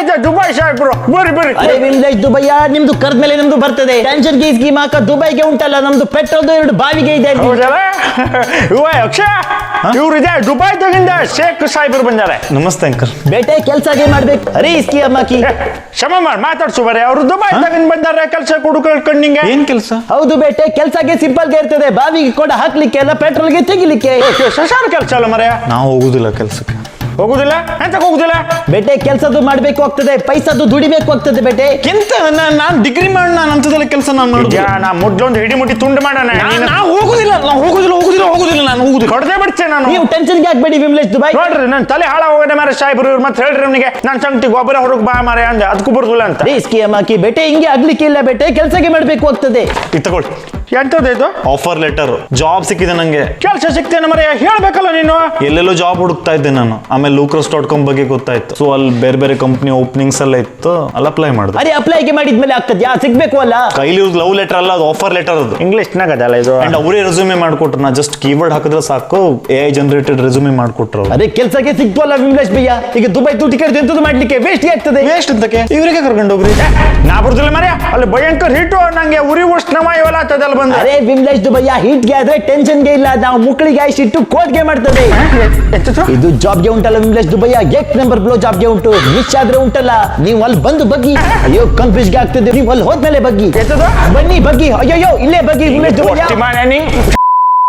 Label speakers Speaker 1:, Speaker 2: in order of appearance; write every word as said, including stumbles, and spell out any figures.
Speaker 1: ಇದೆ ದುಬೈ ಸಾಹೇಬ್ರು ಬರ್ರಿ ಬರ್ರಿ
Speaker 2: ಅರೆ ವಿಮ್ಲೇಶ್ ದುಬೈಯ ನಿಮ್ದು ಕರ್ದ್ಮೇಲೆ ನಮ್ದು ಬರ್ತದೆ ಟೆನ್ಷನ್ ಗೀಸ್ ಗೀಮ್ ಹಾಕ ದುಬೈಗೆ ಉಂಟಲ್ಲ ನಮ್ದು ಪೆಟ್ರೋಲ್ದು ಎರಡು ಬಾವಿಗೆ ಇದೆ
Speaker 1: ಹೌದಲ್ಲ ಇವ ಅಕ್ಷಯ ಇವ್ರು ಇದೆ ದುಬೈ ತಗಿಂದ ಶೇಖ್ ಸಾಹೇಬ್ರು ಬಂದಾರೆ
Speaker 3: ನಮಸ್ತೆ ಅಂಕಲ್.
Speaker 2: ಬೇಟೆ ಕೆಲ್ಸಗೆ ಮಾಡ್ಬೇಕು ಅರೆ ಇಸ್ಕಿ ಅಮ್ಮಕಿ
Speaker 1: ಕ್ಷಮ ಮಾಡಿ ಮಾತಾಡ್ಸು ಬರೀ ಅವ್ರು ದುಬೈ ತಗಿಂದ ಬಂದಾರೆ ಕೆಲಸ ಹುಡುಕೊಂಡು ನಿಂಗೆ
Speaker 3: ಏನ್ ಕೆಲಸ?
Speaker 2: ಹೌದು ಬೇಟೆ ಕೆಲ್ಸಗೆ ಸಿಂಪಲ್ ಗೆ ಇರ್ತದೆ ಬಾವಿಗೆ ಕೂಡ ಹಾಕ್ಲಿಕ್ಕೆ ಅಲ್ಲ ಪೆಟ್ರೋಲ್ಗೆ ತೆಗಿಲಿಕ್ಕೆ
Speaker 1: ಶಶಾನ ಕೆಲಸ ಅಲ್ಲ ಮರೆಯ
Speaker 3: ನಾವು ಹೋಗುದಿಲ್ಲ ಕೆಲ್ಸಕ್ಕೆ.
Speaker 1: ಹೋಗುದಿಲ್ಲ ಎಂತ ಹೋಗುದಿಲ್ಲ
Speaker 2: ಬೇಟೆ ಕೆಲ್ಸದ್ದು ಮಾಡ್ಬೇಕು ಆಗ್ತದೆ ಪೈಸದ್ದು ದುಡಿಬೇಕು ಆಗ್ತದೆ ಬೇಟೆ
Speaker 3: ಎಂತ ನಾನು ಡಿಗ್ರಿ ಮಾಡಿ ನಾನು ಅಂತದೆಲ್ಲ ಕೆಲಸ ನಾನು ಮಾಡುದು.
Speaker 1: ನಾ ಮುಡ್ಲೊಂದು ಹಿಡಿ ಮುಟ್ಟಿ ತುಂಡು ಮಾಡೋಣ
Speaker 3: ನಾವು ಹೋಗುದಿಲ್ಲ ನಾವು ಹೋಗುದಿಲ್ಲ ಹೋಗುದಿಲ್ಲ ಹೋಗುದಿಲ್ಲ ನಾನು ಹೋಗುದಿಲ್ಲ.
Speaker 1: ಹೊಡೆದೇ ಬಿಡ್ತೇನೆ ನಾನು
Speaker 2: ನೀವು ಟೆನ್ಷನ್ಗೆ ಹಾಕ್ಬೇಡಿ ವಿಮ್ಲೇಶ್ ದುಬೈ
Speaker 1: ನೋಡ್ರಿ ನನ್ ತಲೆ ಹಾಳ ಹೋಗದೆ ಮಾರ ಸಾಹೇಬ್ರು ಇವ್ರು ಮತ್ತೆ ಹೇಳ್ರಿ ಅವನಿಗೆ ನಾನ್ ಸಂಗತಿ ಗೊಬ್ಬರ ಹೊರಗ್ ಬಾ ಮಾರ ಅಂದೆ ಅದಕ್ಕೂ ಬರುದಿಲ್ಲ ಅಂತ
Speaker 2: ಇಸ್ಕಿ ಅಮ್ಮಕಿ ಬೇಟೆ ಹಿಂಗೆ ಆಗ್ಲಿಕ್ಕೆ ಇಲ್ಲ ಬೇಟೆ ಕೆಲ್ಸಕ್ಕೆ ಮಾಡ್ಬೇಕು ಆಗ್ತದೆ
Speaker 3: ಇದು ತಗೊಳ್ಳಿ
Speaker 1: ಎಂತದ್ದು ಇದು
Speaker 3: ಆಫರ್ ಲೆಟರ್. ಜಾಬ್ ಸಿಕ್ಕಿದೆ ನಂಗೆ.
Speaker 1: ಕೆಲಸ ಸಿಗ್ತೇನೆ ಮರ ಹೇಳ್ಬೇಕಲ್ಲ ನೀನು
Speaker 3: ಎಲ್ಲೆಲ್ಲೋ ಜಾಬ್ ಹುಡುಕ್ತಾ ಇದ್ದೆ ನಾನು. ಆಮೇಲೆ ಲೂಕ್ರಸ್ ಡಾಟ್ ಕಾಮ್ ಬಗ್ಗೆ ಗೊತ್ತಾಯ್ತು. ಸೊ ಅಲ್ಲಿ ಬೇರೆ ಬೇರೆ ಕಂಪ್ನಿ ಓಪನಿಂಗ್ಸ್ ಎಲ್ಲ ಇತ್ತು, ಅಲ್ಲಿ ಅಪ್ಲೈ ಮಾಡಿದೆ.
Speaker 2: ಅರೆ ಅಪ್ಲೈಗೆ ಮಾಡಿದ್ಮೇಲೆ ಆಗ್ತದೆ ಯಾ ಸಿಗ್ಬೇಕು ಅಲ್ಲ
Speaker 3: ಕೈಲಿ ಲವ್ ಲೆಟರ್ ಅಲ್ಲ, ಅದು ಆಫರ್ ಲೆಟರ್ ಅದು.
Speaker 1: ಇಂಗ್ಲಿಷ್ ನಾಗದಲ್ಲ ಇದು
Speaker 3: ಅಂಡ್ ಅವರೇ ರೆಸ್ಯೂಮೆ ಮಾಡ್ಕೊಟ್ರು. ನಾ ಜಸ್ಟ್ ಕೀಬೋರ್ಡ್ ಹಾಕಿದ್ರೆ ಸಾಕು, ಎ ಐ ಜನರೇಟೆಡ್ ರೆಸ್ಯೂಮೆ ಮಾಡ್ಕೊಟ್ರು.
Speaker 2: ಅರೆ ಕೆಲ್ಸಕ್ಕೆ ಸಿಕ್ತು ಅಲ್ಲ ವಿಮ್ಲೇಶ್ ಭಯ್ಯ ಈಗ ದುಬೈ ದುಡ್ಡು ಕರೆದು ಎಂತದ್ದು ಮಾಡ್ಲಿಕ್ಕೆ ವೇಸ್ಟ್ ಆಗ್ತದೆ
Speaker 3: ವೇಸ್ಟ್ ಅಂತಕ್ಕೆ ಇವರಿಗೆ ಕರ್ಕೊಂಡು ಹೋಗ್ರಿ.
Speaker 1: ನಾ ಬರುದಿಲ್ಲ ಮರ ಅಲ್ಲಿ ಭಯಂಕರ ಹಿಟ್ಟು ನಂಗೆ ಉರಿ ಉಷ್ಣಮ ಇವೆಲ್ಲ ಆಗ್ತದಲ್ಲ ಬಂದ
Speaker 2: ಅರೆ ವಿಮ್ಲೇಶ್ ದುಬಯ್ಯ ಹೀಟ್ಗೆ ಆದ್ರೆ ಟೆನ್ಷನ್ಗೆ ಇಲ್ಲ ನಾವು ಮುಕ್ಕಳಿಗೆ ಆಯ್ಸಿಟ್ಟು ಕೋಟ್ಗೆ ಮಾಡ್ತದೆ ಇದು ಜಾಬ್ಗೆ ಉಂಟಲ್ಲ ವಿಮ್ಲೇಶ್ ದುಬಯ್ಯ ಗೇಟ್ ನಂಬರ್ ಬ್ಲೋ ಜಾಬ್ಗೆ ಉಂಟು ಮಿಸ್ ಆದ್ರೆ ಉಂಟಲ್ಲ ನೀವು ಅಲ್ಲಿ ಬಂದು ಬಗ್ಗಿ ಅಯ್ಯೋ ಕನ್ಫ್ಯೂಸ್ಗೆ ಆಗ್ತದೆ ನೀವು ಅಲ್ಲಿ ಹೋದ್ಮೇಲೆ ಬಗ್ಗಿ
Speaker 1: ಎತ್ತದು?
Speaker 2: ಬನ್ನಿ ಬಗ್ಗಿ ಅಯ್ಯೋ ಇಲ್ಲೇ ಬಗ್ಗಿ ವಿಮ್ಲೇಶ್ ದುಬಯ್ಯ
Speaker 1: ಒಟ್ಟಿ ಮಾರ್ರೆ ನೀ.